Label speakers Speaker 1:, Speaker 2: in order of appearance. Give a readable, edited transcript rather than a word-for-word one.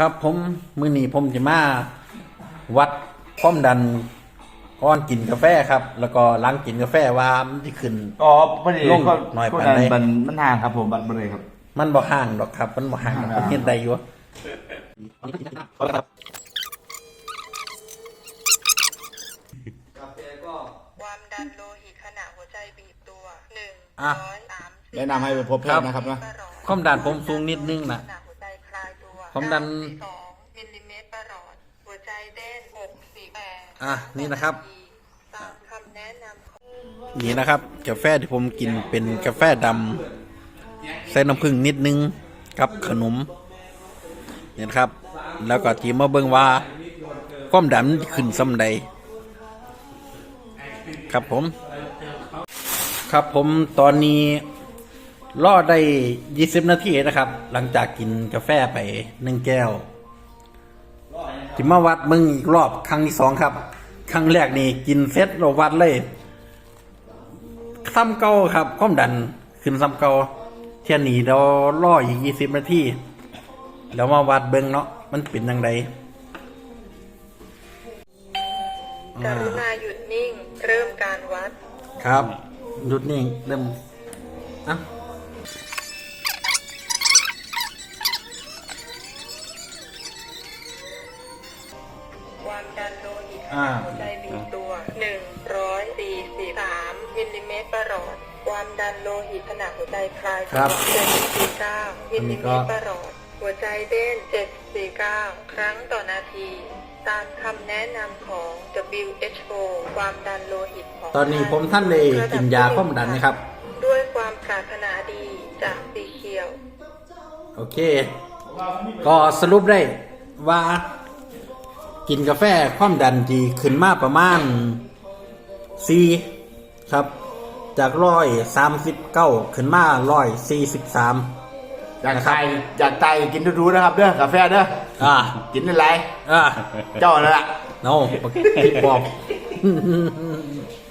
Speaker 1: ครับผมมื้อนี้ผมจะมาวัดความดันก่อนกินกาแฟครับ แล้วก็หลังกินกาแฟว่ามันสิขึ้น
Speaker 2: อ๋อพอดี
Speaker 1: ลง
Speaker 2: ก็
Speaker 1: หน่อย
Speaker 2: ก็
Speaker 1: ปานใด
Speaker 2: มันห่างครับผมบัตรเลยครับ
Speaker 1: มันบ่ห่างดอกครับ มันบ่ห่างดอกผมเห็นได้อยู่
Speaker 3: ความดันโลหิตขณะหัวใจบีบตัว
Speaker 1: อ่ะ
Speaker 3: 130
Speaker 2: แนะนำให้ไปพบแพทย์นะครับนะ
Speaker 1: ความดันผมสูงนิดนึงนะ
Speaker 3: ขณะหัวใจคลายตัว
Speaker 1: ความดัน
Speaker 3: 92มิลลิเมตรประหลอดหัวใจเต้น648
Speaker 1: อ่ะนี่นะครับ
Speaker 3: ตามคำแนะนำของ
Speaker 1: นี่นะครับ กาแฟที่ผมกินเป็นกาแฟดำใส่น้ำผึ้งนิดนึงกับขนมเนี่ยนะครับ แล้วก็ทีมาเบิ่งว่าความดันขึ้นส่ำใดครับผม ครับผมตอนนี้รอได้20 นาทีนะครับ หลังจากกินกาแฟไป1 แก้วที่มาวัดมึงอีกรอบครั้งที่2ครับครั้งแรกนี่กินเสร็จเราวัดเลยซ้ำเก่าครับความดันขึ้นซ้ำเก่าเที่ยนี้เรารออีก20 นาทีแล้วมาวัดเบิ่งเนาะมันเป็นยังไง
Speaker 3: กรุณาหยุดนิ่งเริ่มการวัด
Speaker 1: ครับหยุดนิ่งเริ่มอ่ะ
Speaker 3: ความดันโลหิตขณะหัวใจบีบตัว143มิลลิเมตรประหลอดความดันโลหิตขณะหัวใจคลายตัว749มิลลิเมตรประหลอดหัวใจเต้น749ครั้งต่อนาที ตามคำแนะนำของ WHO ความดันโลหิตของ
Speaker 1: ตอนนี้ผมท่านเลยกินยาความดันนะครับ
Speaker 3: ด้วยความปรารถนาดีจากสีเขียว
Speaker 1: โอเค ก็สรุปได้ว่ากินกาแฟความดันดีขึ้นมาประมาณ4ครับ จาก139ขึ้นมา143
Speaker 2: อยากไตกินดูๆนะครับเด้อกาแฟเด้อกินอะไร
Speaker 1: อ่า
Speaker 2: เจ้านั่นแหละ
Speaker 1: โน้พี่ปอบ